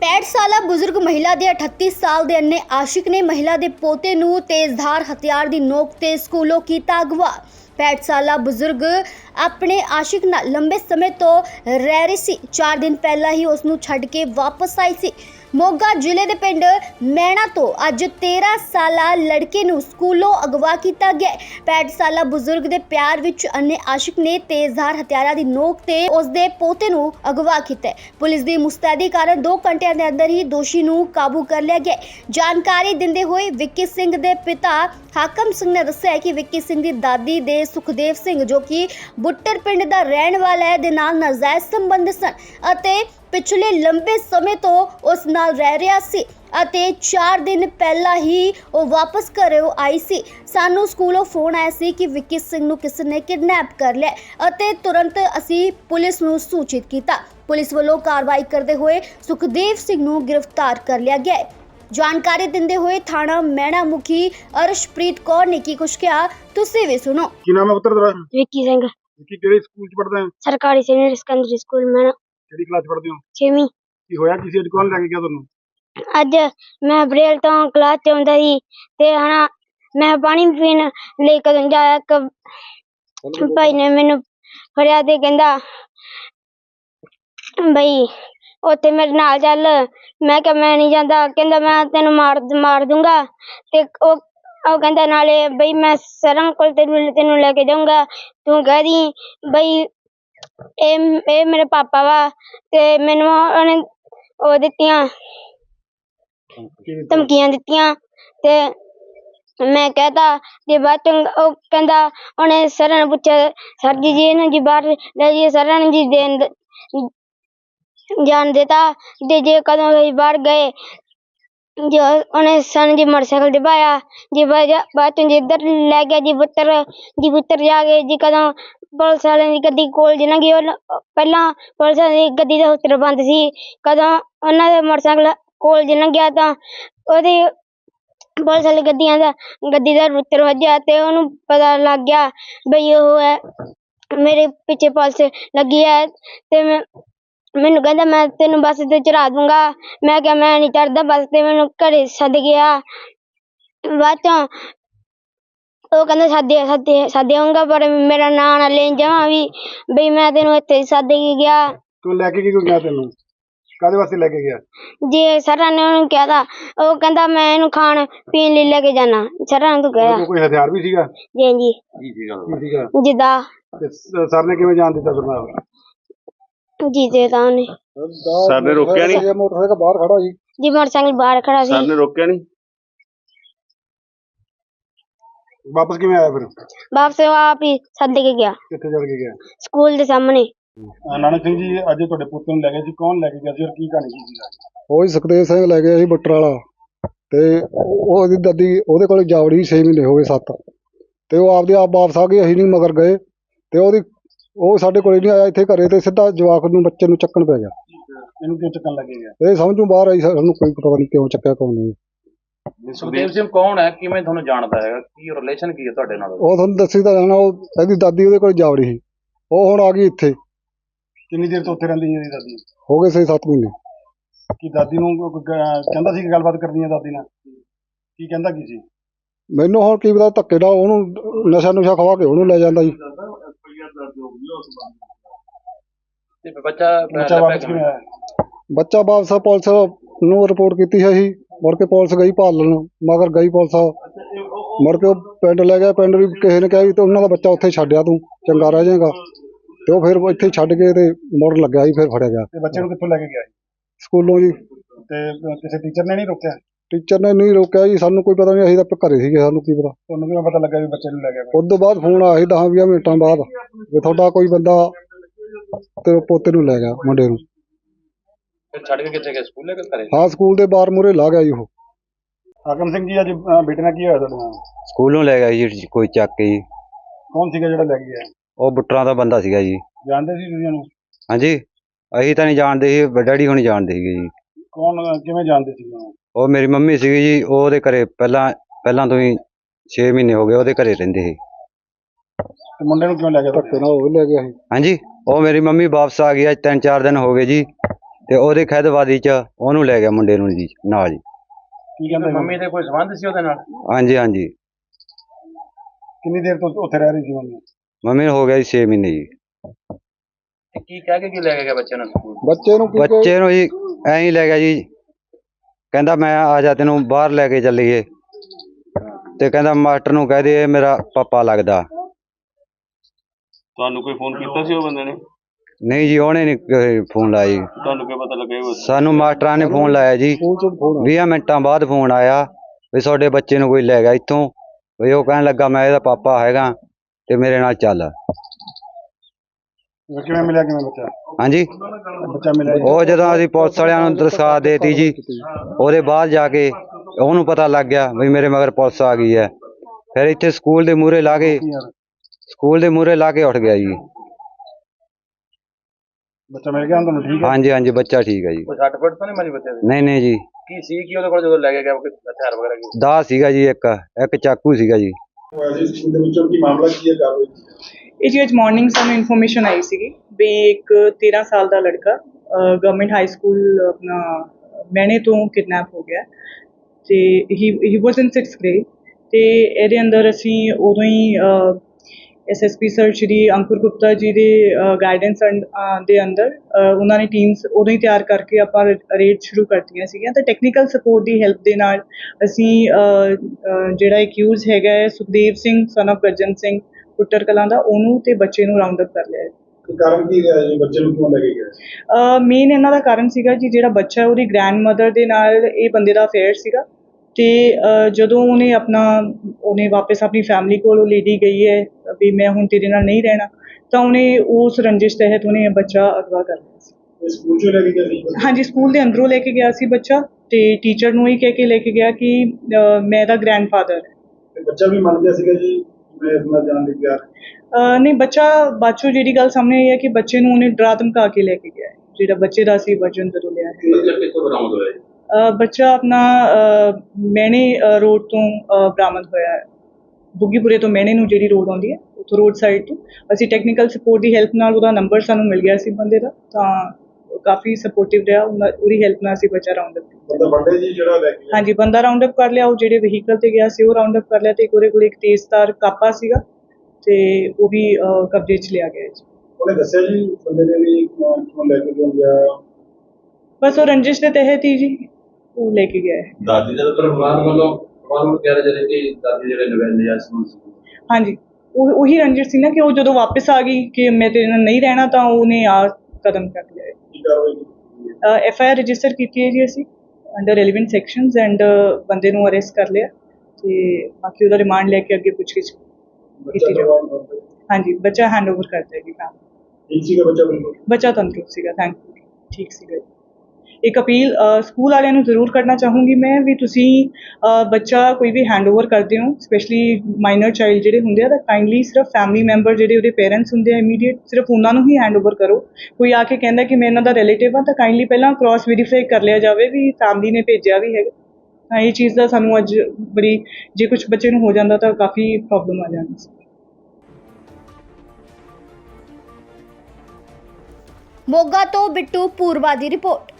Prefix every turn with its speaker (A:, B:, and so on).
A: 65 ਸਾਲਾ ਬਜ਼ੁਰਗ ਮਹਿਲਾ ਦੇ 38 ਸਾਲ ਦੇ ਅੰਨੇ ਆਸ਼ਿਕ ਨੇ ਮਹਿਲਾ ਦੇ ਪੋਤੇ ਨੂੰ ਤੇਜ਼ਧਾਰ ਹਥਿਆਰ ਦੀ ਨੋਕ ਤੇ ਸਕੂਲੋਂ ਕੀਤਾ ਅਗਵਾ। 65 ਸਾਲਾ ਬਜ਼ੁਰਗ ਆਪਣੇ ਆਸ਼ਿਕ ਨਾਲ ਲੰਬੇ ਸਮੇਂ ਤੋਂ ਰਹਿ ਰਹੀ ਸੀ। 4 ਦਿਨ ਪਹਿਲਾਂ ਹੀ ਉਸ ਨੂੰ ਛੱਡ ਕੇ ਵਾਪਸ ਆਈ ਸੀ। ਮੋਗਾ ਜ਼ਿਲ੍ਹੇ ਦੇ ਪਿੰਡ ਮੈਣਾ ਤੋਂ ਅੱਜ 13 ਸਾਲਾ ਲੜਕੇ ਨੂੰ ਸਕੂਲੋਂ ਅਗਵਾ ਕੀਤਾ ਗਿਆ। 65 ਸਾਲਾ ਬਜ਼ੁਰਗ ਦੇ ਪਿਆਰ ਵਿੱਚ ਅੰਨੇ ਆਸ਼ਿਕ ਨੇ ਤੇਜ਼ਧਾਰ ਹਥਿਆਰਾਂ ਦੀ ਨੋਕ ਤੇ ਉਸ ਦੇ ਪੋਤੇ ਨੂੰ ਅਗਵਾ ਕੀਤਾ। ਪੁਲਿਸ ਦੀ ਮੁਸਤੈਦੀ ਕਾਰਨ 2 ਘੰਟਿਆਂ ਦੇ ਅੰਦਰ ਹੀ ਦੋਸ਼ੀ ਨੂੰ ਕਾਬੂ ਕਰ ਲਿਆ ਗਿਆ। ਜਾਣਕਾਰੀ ਦਿੰਦੇ ਹੋਏ ਵਿੱਕੀ ਸਿੰਘ ਦੇ ਪਿਤਾ ਹਾਕਮ ਸਿੰਘ ਨੇ ਦੱਸਿਆ ਕਿ ਵਿੱਕੀ ਸਿੰਘ ਦੀ ਦਾਦੀ ਦੇ ਸੁਖਦੇਵ ਸਿੰਘ ਜੋ ਕਿ ਬੁੱਟਰ ਪਿੰਡ ਦਾ ਰਹਿਣ ਵਾਲਾ ਹੈ ਦੇ ਨਾਲ ਨਾਜਾਇਜ਼ ਸੰਬੰਧ ਸਨ ਅਤੇ ਪਿਛਲੇ ਲੰਬੇ ਸਮੇਂ ਤੋਂ ਉਸ ਨਾਲ ਰਹਿ ਰਿਹਾ ਸੀ ਅਤੇ 4 ਦਿਨ ਪਹਿਲਾਂ ਹੀ ਉਹ ਵਾਪਸ ਘਰੇ ਆਈ ਸੀ। ਸਾਨੂੰ ਸਕੂਲੋਂ ਫੋਨ ਆਇਆ ਸੀ ਕਿ ਵਿੱਕੀ ਸਿੰਘ ਨੂੰ ਕਿਸੇ ਨੇ ਕਿਡਨੈਪ ਕਰ ਲਿਆ ਅਤੇ ਤੁਰੰਤ ਅਸੀਂ ਪੁਲਿਸ ਨੂੰ ਸੂਚਿਤ ਕੀਤਾ। ਪੁਲਿਸ ਵੱਲੋਂ ਕਾਰਵਾਈ ਕਰਦੇ ਹੋਏ ਸੁਖਦੇਵ ਸਿੰਘ ਨੂੰ ਗ੍ਰਿਫਤਾਰ ਕਰ ਲਿਆ ਗਿਆ। ਜਾਣਕਾਰੀ ਦਿੰਦੇ ਹੋਏ ਥਾਣਾ ਮੈਣਾ ਮੁਖੀ ਅਰਸ਼ਪ੍ਰੀਤ ਕੌਰ ਨੇ ਕੀ ਕੁਛ ਕਿਹਾ, ਤੁਸੀਂ ਵੀ ਸੁਣੋ।
B: ਕੀ ਨਾਮ ਹੈ ਪੁੱਤਰ ਤੇਰਾ?
C: ਵਿੱਕੀ ਸਿੰਘ,
B: ਵਿੱਕੀ ਕਿਹੜੇ ਸਕੂਲ ਚ ਪੜ੍ਹਦਾ ਹੈ?
C: ਸਰਕਾਰੀ ਸੀਨੀਅਰ ਸੈਕੰਡਰੀ ਸਕੂਲ ਮੈਂ
B: ਕਿਹੜੀ ਕਲਾਸ ਪੜ੍ਹਦੇ ਹੋ?
C: 6ਵੀਂ।
B: ਕੀ ਹੋਇਆ ਕਿਸੇ ਅੱਜ ਕੌਣ ਲੈ ਕੇ ਗਿਆ ਤੁਹਾਨੂੰ?
C: ਅੱਜ ਮੈਂ ਅਪ੍ਰੈਲ ਤੋਂ ਕਲਾਸ ਚ ਆਉਂਦਾ ਸੀ ਤੇ ਹਨਾ ਮੈਂ ਪਾਣੀ ਪੀਣ ਲਈ ਕਦੋਂ ਜਾਇਆ ਭਾਈ ਨੇ ਮੈਨੂੰ ਫੜਿਆ ਤੇ ਕਹਿੰਦਾ ਬਈ ਉੱਥੇ ਮੇਰੇ ਨਾਲ ਚੱਲ। ਮੈਂ ਕਿਹਾ ਮੈਂ ਨਹੀਂ ਜਾਂਦਾ। ਕਹਿੰਦਾ ਮੈਂ ਤੈਨੂੰ ਮਾਰ ਦੂੰਗਾ ਤੇ ਉਹ ਕਹਿੰਦਾ ਨਾਲੇ ਬਈ ਮੈਂ ਸਰਾਂ ਕੋਲ ਤੈਨੂੰ ਲੈ ਕੇ ਜਾਊਂਗਾ, ਤੂੰ ਕਹਿ ਦੀ ਬਈ ਇਹ ਮੇਰੇ ਪਾਪਾ ਵਾ ਤੇ ਮੈਨੂੰ ਉਹਨੇ ਉਹ ਦਿੱਤੀਆਂ ਧਮਕੀਆਂ ਦਿੱਤੀਆਂ ਤੇ ਮੈਂ ਕਹਿਤਾ ਜੇ ਬਾਅਦ ਚ ਉਹ ਕਹਿੰਦਾ ਉਹਨੇ ਸਰਾਂ ਨੂੰ ਪੁੱਛਿਆ ਸਰ ਜੀ ਇਹਨੂੰ ਜੀ ਬਾਹਰ ਲੈ ਜੀ। ਸਰਾਂ ਨੇ ਜੀ ਜਾਣ ਦਿੱਤਾ ਤੇ ਜੇ ਕਦੋਂ ਅਸੀਂ ਬਾਹਰ ਗਏ ਜੋ ਉਹਨੇ ਸਾਨੂੰ ਜੀ ਮੋਟਰਸਾਈਕਲ ਦਿਵਾਇਆ ਜੀ। ਬਾਅਦ ਚ ਜੀ ਇੱਧਰ ਲੈ ਗਿਆ ਜੀ ਪੁੱਤਰ ਜਾ ਕੇ ਜੀ ਕਦੋਂ ਪੁਲਿਸ ਵਾਲਿਆਂ ਦੀ ਗੱਡੀ ਕੋਲ ਜਿਹਨਾਂ ਗਈ ਪਹਿਲਾਂ ਪੁਲਿਸ ਵਾਲਿਆਂ ਦੀ ਗੱਡੀ ਦਾ ਹੁਸਤਰ ਬੰਦ ਸੀ। ਕਦੋਂ ਉਹਨਾਂ ਦੇ ਮੋਟਰਸਾਈਕਲ ਕੋਲ ਜਿਹਨਾਂ ਗਿਆ ਤਾਂ ਉਹਦੀ ਪੁਲਿਸ ਵਾਲੀ ਗੱਡੀ ਦਾ ਹੁਸਤਰ ਵੱਜਿਆ ਤੇ ਉਹਨੂੰ ਪਤਾ ਲੱਗ ਗਿਆ ਬਈ ਉਹ ਹੈ ਮੇਰੇ ਪਿੱਛੇ ਪੁਲਿਸ ਲੱਗੀ ਹੈ ਤੇ ਮੈਨੂੰ ਕਹਿੰਦਾ ਮੈਂ ਤੈਨੂੰ ਬੱਸ ਤੇ ਚੜਾ ਦੂੰਗਾ। ਮੈਂ ਕਿਹਾ ਮੈਂ ਨਹੀਂ ਚੜਦਾ ਬੱਸ ਤੇ, ਮੈਨੂੰ ਘਰੇ ਸੱਦ ਗਿਆ। ਬਾਅਦ ਚੋਂ ਉਹ ਕਹਿੰਦਾ ਸਾਦੇ ਆਊਂਗਾ ਪਰ ਮੇਰਾ ਨਾਂ ਨਾ ਲੈਣ ਜਾਵਾਂ ਵੀ ਬਈ ਮੈਂ ਤੈਨੂੰ ਇੱਥੇ ਸੱਦ ਕੇ ਗਿਆ।
B: ਤੂੰ ਲੈ ਕੇ ਕਿਉਂ ਗਿਆ? ਤੈਨੂੰ ਕਾਹਦੇ ਵਾਸਤੇ ਲੈ ਕੇ ਗਿਆ?
C: ਜੇ ਸਰਾਂ ਨੇ ਉਹਨੂੰ ਕਿਹਾ ਤਾਂ ਉਹ ਕਹਿੰਦਾ ਮੈਂ ਇਹਨੂੰ ਖਾਣ ਪੀਣ ਲਈ ਲੈ ਕੇ ਜਾਣਾ। ਸਰਾਂ ਨੂੰ ਕਿਹਾ
B: ਕੋਈ ਹਥਿਆਰ ਵੀ ਸੀਗਾ?
C: ਜੀ ਜੀ
B: ਕੀ ਸੀਗਾ?
C: ਜਿੱਦਾਂ
B: ਸਰ ਨੇ ਕਿਵੇਂ ਜਾਣ ਦਿੱਤਾ ਫਿਰ ਨਾਲ?
C: ਜੀ ਦੇ ਤਾਂ ਉਹਨੇ
B: ਸਰ ਨੇ ਰੋਕਿਆ ਨਹੀਂ? ਮੋਟਰਸਾਈਕਲ ਬਾਹਰ ਖੜਾ ਸੀ
C: ਜੀ, ਮੋਟਰਸਾਈਕਲ ਬਾਹਰ ਖੜਾ ਸੀ।
B: ਸਰ ਨੇ ਰੋਕਿਆ ਨਹੀਂ? ਵਾਪਸ ਕਿਵੇਂ ਆਇਆ ਫਿਰ?
C: ਵਾਪਸ ਉਹ ਆਪ ਹੀ ਸੱਦ ਕੇ ਗਿਆ।
B: ਕਿੱਥੇ ਚੜ ਕੇ ਗਿਆ?
C: ਸਕੂਲ ਦੇ ਸਾਹਮਣੇ।
B: ਨਾਨਕ ਸਿੰਘ ਜੀ ਅੱਜ ਤੁਹਾਡੇ ਪੁੱਤ ਨੂੰ ਲੈ ਗਏ ਸੀ, ਕੌਣ ਲੈ ਕੇ ਗਿਆ ਸੀ ਔਰ ਕੀ ਕਹਾਣੀ ਕੀ ਸੀਗਾ?
D: ਉਹ ਸੁਖਦੇਵ ਸਿੰਘ ਲੈ ਗਿਆ ਸੀ ਬੁੱਟਰ ਵਾਲਾ ਤੇ ਉਹਦੀ ਦਾਦੀ ਉਹਦੇ ਕੋਲ ਜਾਵੜੀ 6 ਮਹੀਨੇ ਹੋ ਗਏ 7 ਤੇ ਉਹ ਆਪਦੇ ਆਪ ਵਾਪਸ ਆ ਗਈ। ਅਸੀਂ ਨਹੀਂ ਮਗਰ ਗਏ ਤੇ ਉਹ ਸਾਡੇ ਕੋਲ ਨਹੀਂ ਆਇਆ ਇੱਥੇ ਘਰੇ ਤੇ ਸਿੱਧਾ ਜਵਾਕ ਨੂੰ ਬੱਚੇ ਨੂੰ ਚੱਕਣ ਪੈ ਗਿਆ।
B: ਇਹਨੂੰ ਕਿਉਂ ਚੱਕਣ ਲੱਗੇ ਗਿਆ?
D: ਇਹ ਸਮਝੋਂ ਬਾਹਰ ਆਈ, ਸਾਨੂੰ ਕੋਈ ਪਤਾ ਨਹੀਂ ਕਿਉਂ ਚੱਕਿਆ ਕੌਣ ਨਹੀਂ।
E: ਸੁਖਦੇਵ ਸਿੰਘ ਕੌਣ ਹੈ, ਕਿਵੇਂ ਤੁਹਾਨੂੰ ਜਾਣਦਾ ਹੈਗਾ, ਕੀ ਰਿਲੇਸ਼ਨ ਕੀ ਹੈ ਤੁਹਾਡੇ ਨਾਲ?
D: ਉਹ ਤੁਹਾਨੂੰ ਦੱਸੀ ਤਾਂ ਜਾਣਾ, ਉਹ ਇਹਦੀ ਦਾਦੀ ਉਹਦੇ ਕੋਲ ਜਾਵੜੀ ਸੀ, ਉਹ ਹੁਣ ਆ ਗਈ ਇੱਥੇ।
B: ਕਿੰਨੀ ਦੇਰ ਤੋਂ ਉੱਥੇ ਰਹਿੰਦੀ ਸੀ ਇਹਦੀ ਦਾਦੀ?
D: ਹੋ ਗਏ 6-7 ਮਹੀਨੇ।
B: ਕੀ ਦਾਦੀ ਨੂੰ ਕਹਿੰਦਾ ਸੀ ਕਿ ਗੱਲਬਾਤ ਕਰਨੀ ਹੈ ਦਾਦੀ ਨਾਲ? ਕੀ ਕਹਿੰਦਾ ਕੀ ਸੀ?
D: ਮੈਨੂੰ ਹੁਣ ਕੀ ਪਤਾ, ਧੱਕੇ ਨਾਲ ਉਹਨੂੰ ਨਸ਼ਾ ਖਵਾ ਕੇ ਉਹਨੂੰ ਲੈ ਜਾਂਦਾ ਜੀ।
E: ਤੇ ਬੱਚਾ
B: ਵਾਪਸ ਕਿਵੇਂ ਆਇਆ?
D: ਬੱਚਾ ਵਾਪਸ ਪੁਲਿਸ ਨੂੰ ਰਿਪੋਰਟ ਕੀਤੀ ਸੀ ਅਸੀਂ, ਮੁੜ ਕੇ ਪੁਲਿਸ ਗਈ ਭਾਲਣ, ਮਗਰ ਗਈ ਪੁਲਿਸ ਮੁੜ ਕੇ ਉਹ ਪਿੰਡ ਲੈ ਗਿਆ। ਪਿੰਡ ਵੀ ਕਿਸੇ ਨੇ ਕਿਹਾ ਵੀ ਤੇ ਉਹਨਾਂ ਦਾ ਬੱਚਾ ਉੱਥੇ ਛੱਡਿਆ, ਤੂੰ ਚੰਗਾ ਰਹਿ ਜਾਏਗਾ ਤੇ ਉਹ ਫਿਰ ਇੱਥੇ ਛੱਡ ਕੇ ਤੇ ਮੁੜ ਲੱਗਿਆ ਸੀ, ਫਿਰ ਫੜਿਆ ਗਿਆ।
B: ਤੇ ਬੱਚੇ ਨੂੰ ਕਿੱਥੋਂ ਲੈ ਕੇ ਗਿਆ?
D: ਸਕੂਲੋਂ ਜੀ।
B: ਤੇ ਕਿਸੇ ਟੀਚਰ ਨੇ ਨਹੀਂ ਰੋਕਿਆ?
D: ਟੀਚਰ ਨੇ ਨਹੀਂ ਰੋਕਿਆ ਜੀ, ਸਾਨੂੰ ਕੋਈ ਪਤਾ ਨਹੀਂ, ਅਸੀਂ ਤਾਂ ਘਰੇ ਸੀਗੇ, ਸਾਨੂੰ ਕੀ ਪਤਾ।
B: ਤੁਹਾਨੂੰ ਕਿਵੇਂ ਪਤਾ ਲੱਗਾ ਵੀ ਬੱਚੇ ਨੂੰ ਲੈ ਗਿਆ?
D: ਉਸ ਤੋਂ ਬਾਅਦ ਫੋਨ ਆਇਆ ਸੀ 10-20 ਮਿੰਟਾਂ ਬਾਅਦ ਵੀ ਤੁਹਾਡਾ ਕੋਈ ਬੰਦਾ ਤੇ ਪੋਤੇ ਨੂੰ ਲੈ ਗਿਆ, ਮੁੰਡੇ ਨੂੰ।
E: ਫਿਰ ਛੱਡ ਕੇ ਕਿੱਥੇ ਗਿਆ? ਸਕੂਲੇ ਕਿ ਘਰੇ?
D: ਹਾਂ, ਸਕੂਲ ਦੇ ਬਾਹਰ ਮੂਹਰੇ ਲਾ ਗਿਆ ਜੀ ਉਹ।
B: ਹਾਕਮ ਸਿੰਘ ਜੀ ਅੱਜ ਬੇਟੇ ਨਾਲ ਕੀ ਹੋਇਆ ਤੁਹਾਡੇ ਨਾਲ?
F: ਸਕੂਲੋਂ ਲੈ ਗਿਆ ਜੀ ਕੋਈ ਚੱਕ ਕੇ ਜੀ।
B: ਕੌਣ ਸੀਗਾ ਜਿਹੜਾ ਲੈ ਕੇ ਗਿਆ?
F: ਉਹ ਬੁੱਟਰਾਂ ਦਾ ਬੰਦਾ ਸੀਗਾ ਜੀ।
B: ਜਾਣਦੇ ਸੀ ਤੁਸੀਂ ਉਹਨੂੰ?
F: ਹਾਂਜੀ, ਅਸੀਂ ਤਾਂ ਨਹੀਂ ਜਾਣਦੇ ਸੀ, ਡੈਡੀ ਹੁਣੀ ਜਾਣਦੇ ਸੀਗੇ ਜੀ।
B: ਕੌਣ, ਕਿਵੇਂ ਜਾਣਦੇ ਸੀ ਉਹਨੂੰ?
F: ਉਹ ਮੇਰੀ ਮੰਮੀ ਸੀਗੀ ਜੀ, ਉਹਦੇ ਘਰੇ ਪਹਿਲਾਂ ਤੋਂ ਹੀ 6 ਮਹੀਨੇ ਹੋ ਗਏ ਉਹਦੇ ਘਰੇ ਰਹਿੰਦੇ ਸੀ।
B: ਤੇ ਮੁੰਡੇ ਨੂੰ ਕਿਉਂ ਲੈ ਗਿਆ?
D: ਧੱਕੇ ਨਾਲ ਉਹ ਲੈ ਗਿਆ ਸੀ।
F: ਹਾਂਜੀ, ਉਹ ਮੇਰੀ ਮੰਮੀ ਵਾਪਸ ਆ ਗਈ ਅੱਜ 3-4 ਦਿਨ ਹੋ ਗਏ ਜੀ ਤੇ ਉਹਦੇ ਖੈਦਵਾਦੀ ਚ ਉਹਨੂੰ ਲੈ ਗਿਆ ਮੁੰਡੇ ਨੂੰ ਜੀ ਨਾਲ ਜੀ।
B: ਕੀ ਕਹਿੰਦੇ
E: ਮੰਮੀ ਦੇ ਕੋਈ ਸੰਬੰਧ ਸੀ ਉਹਦੇ ਨਾਲ?
F: ਹਾਂਜੀ ਹਾਂਜੀ,
B: ਕਿੰਨੀ ਦੇਰ ਤੋਂ ਉੱਥੇ ਰਹਿ ਰਹੀ ਸੀ ਮੰਮੀ?
F: ਮੰਮੀ ਨੂੰ ਹੋ ਗਿਆ ਜੀ 6 ਮਹੀਨੇ ਜੀ।
E: ਤੇ ਕੀ ਕਹਿ ਕੇ ਕੀ ਲੈ ਕੇ ਗਿਆ ਬੱਚੇ ਨੂੰ ਸਕੂਲ?
D: ਬੱਚੇ ਨੂੰ
F: ਬੱਚੇ ਨੂੰ ਜੀ ਐਂ ਹੀ ਲੈ ਗਿਆ ਜੀ, ਕਹਿੰਦਾ ਮੈਂ ਆ ਜਾ ਤੈਨੂੰ ਬਾਹਰ ਲੈ ਕੇ ਚੱਲੀਏ, ਤੇ ਕਹਿੰਦਾ ਮਾਸਟਰ ਨੂੰ ਕਹਿ ਦੇ ਇਹ ਮੇਰਾ ਪਾਪਾ ਲੱਗਦਾ।
G: ਤੁਹਾਨੂੰ ਕੋਈ ਫੋਨ ਕੀਤਾ ਸੀ ਉਹ ਬੰਦੇ ਨੇ?
F: ਨਹੀਂ ਜੀ, ਉਹਨੇ ਨਹੀਂ ਫੋਨ ਲਾਇਆ ਜੀ।
G: ਤੁਹਾਨੂੰ ਕੀ ਪਤਾ ਲੱਗਿਆ ਉਹ?
F: ਸਾਨੂੰ ਮਾਸਟਰਾਂ ਨੇ ਫੋਨ ਲਾਇਆ ਜੀ, 20 ਮਿੰਟਾਂ ਬਾਅਦ ਫੋਨ ਆਇਆ ਵੀ ਤੁਹਾਡੇ ਬੱਚੇ ਨੂੰ ਕੋਈ ਲੈ ਗਿਆ ਇੱਥੋਂ। ਵੀ ਉਹ ਕਹਿਣ ਲੱਗਾ ਮੈਂ ਇਹਦਾ ਪਾਪਾ ਹੈਗਾ ਤੇ ਮੇਰੇ ਨਾਲ ਚੱਲ।
B: ਕਿਵੇਂ ਮਿਲਿਆ, ਕਿਵੇਂ ਬੱਚਾ?
F: ਹਾਂਜੀ,
B: ਬੱਚਾ ਮਿਲਿਆ ਜੀ?
F: ਉਹ ਜਦੋਂ ਅਸੀਂ ਪੁਲਿਸ ਵਾਲਿਆਂ ਨੂੰ ਦਰਖਾਸਤ ਦੇਤੀ ਜੀ, ਉਹਦੇ ਬਾਅਦ ਜਾ ਕੇ ਉਹਨੂੰ ਪਤਾ ਲੱਗ ਗਿਆ ਵੀ ਮੇਰੇ ਮਗਰ ਪੁਲਿਸ ਆ ਗਈ ਹੈ। ਫਿਰ ਇੱਥੇ ਸਕੂਲ ਦੇ ਮੂਹਰੇ ਲਾ ਕੇ ਉੱਠ ਗਿਆ ਜੀ।
B: ਬੱਚਾ ਮਿਲ ਗਿਆ ਹੁਣ ਤੁਹਾਨੂੰ? ਠੀਕ ਹੈ।
F: ਹਾਂਜੀ ਹਾਂਜੀ, ਬੱਚਾ ਠੀਕ ਹੈ ਜੀ।
E: ਕੋਈ 60 ਫੁੱਟ ਤਾਂ ਨਹੀਂ ਮਾਰੀ ਬੱਚੇ ਦੇ?
F: ਨਹੀਂ ਨਹੀਂ ਜੀ,
E: ਕੀ ਸੀ ਕੀ ਉਹਦੇ ਕੋਲ ਜਦੋਂ ਲੈ ਕੇ ਗਿਆ? ਕੋਈ ਹਥਿਆਰ ਵਗੈਰਾ ਕੀ?
F: ਦਾ ਸੀਗਾ ਜੀ, ਇੱਕ ਚਾਕੂ ਸੀਗਾ ਜੀ।
B: ਸਕੂਲ ਦੇ ਵਿੱਚੋਂ ਕੀ ਮਾਮਲਾ ਕੀ ਹੈ? ਕਾਰਵਾਈ
H: ਇਹ ਜੀ ਅੱਜ ਮਾਰਨਿੰਗ ਸਾਨੂੰ ਇਨਫੋਰਮੇਸ਼ਨ ਆਈ ਸੀਗੀ ਵੀ ਇੱਕ 13 ਸਾਲ ਦਾ ਲੜਕਾ ਗਵਰਨਮੈਂਟ ਹਾਈ ਸਕੂਲ ਆਪਣਾ ਮੈਨੇ ਤੋਂ ਕਿਡਨੈਪ ਹੋ ਗਿਆ ਤੇ ਹੀ ਵਾਸ ਇਨ 6th ਗ੍ਰੇਡ। ਤੇ ਇਹਦੇ ਅੰਦਰ ਅਸੀਂ ਉਦੋਂ ਹੀ SSP ਸਰ ਸ਼੍ਰੀ ਅੰਕੁਰ ਗੁਪਤਾ ਜੀ ਦੇ ਗਾਈਡੈਂਸ ਦੇ ਅੰਦਰ ਉਹਨਾਂ ਨੇ ਟੀਮਸ ਉਦੋਂ ਹੀ ਤਿਆਰ ਕਰਕੇ ਆਪਾਂ ਰੇਡ ਸ਼ੁਰੂ ਕਰਤੀਆਂ ਸੀਗੀਆਂ। ਤਾਂ ਟੈਕਨੀਕਲ ਸਪੋਰਟ ਦੀ ਹੈਲਪ ਦੇ ਨਾਲ ਅਸੀਂ ਜਿਹੜਾ ਅਕਿਊਜ਼ ਹੈਗਾ ਹੈ ਸੁਖਦੇਵ ਸਿੰਘ ਸਨ ਆਫ ਗੱਜਨ ਸਿੰਘ ਪੁੱਟਰ ਕਲਾਂ ਦਾ, ਉਹਨੂੰ ਤੇ ਬੱਚੇ ਨੂੰ ਰਾਉਂਡ ਅਪ ਕਰ ਲਿਆ ਹੈ।
B: ਕਾਰਨ ਕੀ ਰਿਹਾ ਜੀ? ਬੱਚੇ ਨੂੰ ਕਿਉਂ ਲੈ ਕੇ ਗਏ?
H: ਮੇਨ ਇਹਨਾਂ ਦਾ ਕਾਰਨ ਸੀਗਾ ਜੀ, ਜਿਹੜਾ ਬੱਚਾ ਉਹਦੀ ਗ੍ਰੈਂਡ ਮਦਰ ਦੇ ਨਾਲ ਇਹ ਬੰਦੇ ਦਾ ਅਫੇਅਰ ਸੀਗਾ ਤੇ ਜਦੋਂ ਉਹਨੇ ਵਾਪਸ ਆਪਣੀ ਫੈਮਿਲੀ ਕੋਲ ਉਹ ਲੇਡੀ ਗਈ ਹੈ ਵੀ ਮੈਂ ਹੁਣ ਤੇਰੇ ਨਾਲ ਨਹੀਂ ਰਹਿਣਾ, ਤਾਂ ਉਹਨੇ ਉਸ ਰੰਜਿਸ਼ ਤਹਿਤ ਉਹਨੇ ਬੱਚਾ ਅਗਵਾ ਕਰ ਲਿਆ ਸੀ।
B: ਸਕੂਲ ਚੋਂ ਲੈ ਕੇ ਗਿਆ ਸੀ?
H: ਹਾਂਜੀ, ਸਕੂਲ ਦੇ ਅੰਦਰੋਂ ਲੈ ਕੇ ਗਿਆ ਸੀ ਬੱਚਾ ਤੇ ਟੀਚਰ ਨੂੰ ਹੀ ਕਹਿ ਕੇ ਲੈ ਕੇ ਗਿਆ ਕਿ ਮੈਂ ਇਹਦਾ ਗ੍ਰੈਂਡਫਾਦਰ ਹੈ।
B: ਬੱਚਾ ਵੀ ਮੰਨ ਗਿਆ ਸੀਗਾ ਜੀ ਮੈਂ ਇਸ ਨਾਲ ਜਾਣ ਲਈ ਤਿਆਰ?
H: ਨਹੀਂ, ਬੱਚਾ ਬਾਅਦ ਚੋਂ ਜਿਹੜੀ ਗੱਲ ਸਾਹਮਣੇ ਆਈ ਹੈ ਕਿ ਬੱਚੇ ਨੂੰ ਉਹਨੇ ਡਰਾ ਧਮਕਾ ਕੇ ਲੈ ਕੇ ਗਿਆ ਹੈ। ਜਿਹੜਾ ਬੱਚੇ ਦਾ ਸੀ ਵਰਜਨ ਜਦੋਂ ਲਿਆ ਹੈ।
E: ਬੱਚਾ ਕਿੱਥੋਂ ਬਰਾਮਦ ਹੋਇਆ?
H: ਬੱਚਾ ਆਪਣਾ ਮੈਨੇ ਰੋਡ ਤੋਂ ਬਰਾਮਦ ਹੋਇਆ ਹੈ। ਬੁੱਗੀਪੁਰੇ ਤੋਂ ਮੈਨੇ ਨੂੰ ਜਿਹੜੀ ਰੋਡ ਆਉਂਦੀ ਹੈ ਉੱਥੋਂ ਰੋਡ ਸਾਈਡ ਤੋਂ ਅਸੀਂ ਟੈਕਨੀਕਲ ਸਪੋਰਟ ਦੀ ਹੈਲਪ ਨਾਲ ਉਹਦਾ ਨੰਬਰ ਸਾਨੂੰ ਮਿਲ ਗਿਆ ਸੀ ਬੰਦੇ ਦਾ, ਤਾਂ ਕਾਫੀ ਸਪੋਰਟਿਵ ਰਿਹਾ। ਉਹਦੀ ਹੈਲਪ ਨਾਲ ਅਸੀਂ ਬੱਚਾ ਰਾਉਂਡ ਅਪ ਕੀਤਾ।
B: ਬੰਦਾ ਵੱਡੇ ਜੀ ਜਿਹੜਾ ਲੈ ਕੇ?
H: ਹਾਂਜੀ, ਬੰਦਾ ਰਾਉਂਡ ਅਪ ਕਰ ਲਿਆ। ਉਹ ਜਿਹੜੇ ਵਹੀਕਲ ਤੇ ਗਿਆ ਸੀ ਉਹ ਰਾਉਂਡ ਅਪ ਕਰ ਲਿਆ ਤੇ ਉਹਦੇ ਕੋਲ ਇੱਕ ਤੇਜ਼ਧਾਰ ਕਾਪਾ ਸੀਗਾ ਤੇ ਉਹ ਵੀ ਕਬਜ਼ੇ 'ਚ ਲਿਆ ਗਿਆ ਜੀ।
B: ਉਹਨੇ ਦੱਸਿਆ ਜੀ ਬੰਦੇ ਨੇ ਵੀ ਕਿਉਂ ਲੈ ਕੇ ਗਿਆ?
H: ਬਸ ਉਹ ਰੰਜਿਸ਼ ਦੇ ਤਹਿਤ ਹੀ ਜੀ ਉਹ ਲੈ ਕੇ ਗਿਆ ਹੈ।
G: ਦਾਦੀ ਦਾ
E: ਪਰਿਵਾਰ ਵੱਲੋਂ ਕਹਿ ਰਹੇ ਜਿਹੜੇ ਕਿ ਦਾਦੀ ਜਿਹੜੇ ਨਵੈਲੇ ਆ ਸੀ।
H: ਹਾਂਜੀ, ਉਹੀ ਰੰਜਿਸ਼ ਸੀ ਨਾ ਕਿ ਉਹ ਜਦੋਂ ਵਾਪਸ ਆ ਗਈ ਕਿ ਮੈਂ ਤੇਰੇ ਨਾਲ ਨਹੀਂ ਰਹਿਣਾ, ਤਾਂ ਉਹਨੇ ਆ ਕਦਮ ਚੱਕ ਲਿਆ ਹੈ।
B: ਕੀ ਕਾਰਵਾਈ ਕੀਤੀ?
H: FIR ਰਜਿਸਟਰ ਕੀਤੀ ਹੈ ਜੀ ਅਸੀਂ ਅੰਡਰ ਰੈਲੇਵੈਂਟ ਸੈਕਸ਼ਨਸ ਐਂਡ ਬੰਦੇ ਨੂੰ ਅਰੈਸਟ ਕਰ ਲਿਆ ਤੇ ਬਾਕੀ ਉਹਦਾ ਰਿਮਾਂਡ ਲੈ ਕੇ ਅੱਗੇ ਪੁੱਛਗਿੱਛ ਕੀਤੀ ਜਾਵੇ। ਹਾਂਜੀ, ਬੱਚਾ ਹੈਂਡਓਵਰ ਕਰਤਾ ਹੈ ਜੀ ਫੈਮਿਲੀ।
B: ਠੀਕ ਸੀਗਾ ਬੱਚਾ? ਬਿਲਕੁਲ
H: ਬੱਚਾ ਤੰਦਰੁਸਤ ਸੀਗਾ, ਥੈਂਕਫੁਲੀ ਠੀਕ ਸੀਗਾ। ਇੱਕ ਅਪੀਲ ਸਕੂਲ ਵਾਲਿਆਂ ਨੂੰ ਜ਼ਰੂਰ ਕਰਨਾ ਚਾਹੂੰਗੀ ਮੈਂ ਵੀ ਤੁਸੀਂ ਬੱਚਾ ਕੋਈ ਵੀ ਹੈਂਡਓਵਰ ਕਰਦੇ ਹੋ, ਸਪੈਸ਼ਲੀ ਮਾਈਨਰ ਚਾਈਲਡ ਜਿਹੜੇ ਹੁੰਦੇ ਆ, ਤਾਂ ਕਾਈਂਡਲੀ ਸਿਰਫ ਫੈਮਿਲੀ ਮੈਂਬਰ ਜਿਹੜੇ ਉਹਦੇ ਪੇਰੈਂਟਸ ਹੁੰਦੇ ਆ ਇਮੀਡੀਏਟ ਸਿਰਫ ਉਹਨਾਂ ਨੂੰ ਹੀ ਹੈਂਡਓਵਰ ਕਰੋ। ਕੋਈ ਆ ਕੇ ਕਹਿੰਦਾ ਕਿ ਮੈਂ ਇਹਨਾਂ ਦਾ ਰਿਲੇਟਿਵ ਆ ਤਾਂ ਕਾਈਂਡਲੀ ਪਹਿਲਾਂ ਕ੍ਰਾਸ ਵੈਰੀਫਾਈ ਕਰ ਲਿਆ ਜਾਵੇ ਵੀ ਫੈਮਿਲੀ ਨੇ ਭੇਜਿਆ ਵੀ ਹੈਗਾ। ਤਾਂ ਇਹ ਚੀਜ਼ ਦਾ ਸਾਨੂੰ ਅੱਜ ਬੜੀ, ਜੇ ਕੁਝ ਬੱਚੇ ਨੂੰ ਹੋ ਜਾਂਦਾ ਤਾਂ ਕਾਫੀ ਪ੍ਰੋਬਲਮ ਆ ਜਾਂਦੀ ਸੀ।
A: ਮੋਗਾ ਤੋਂ ਬਿੱਟੂ ਪੂਰਵਾ ਦੀ ਰਿਪੋਰਟ।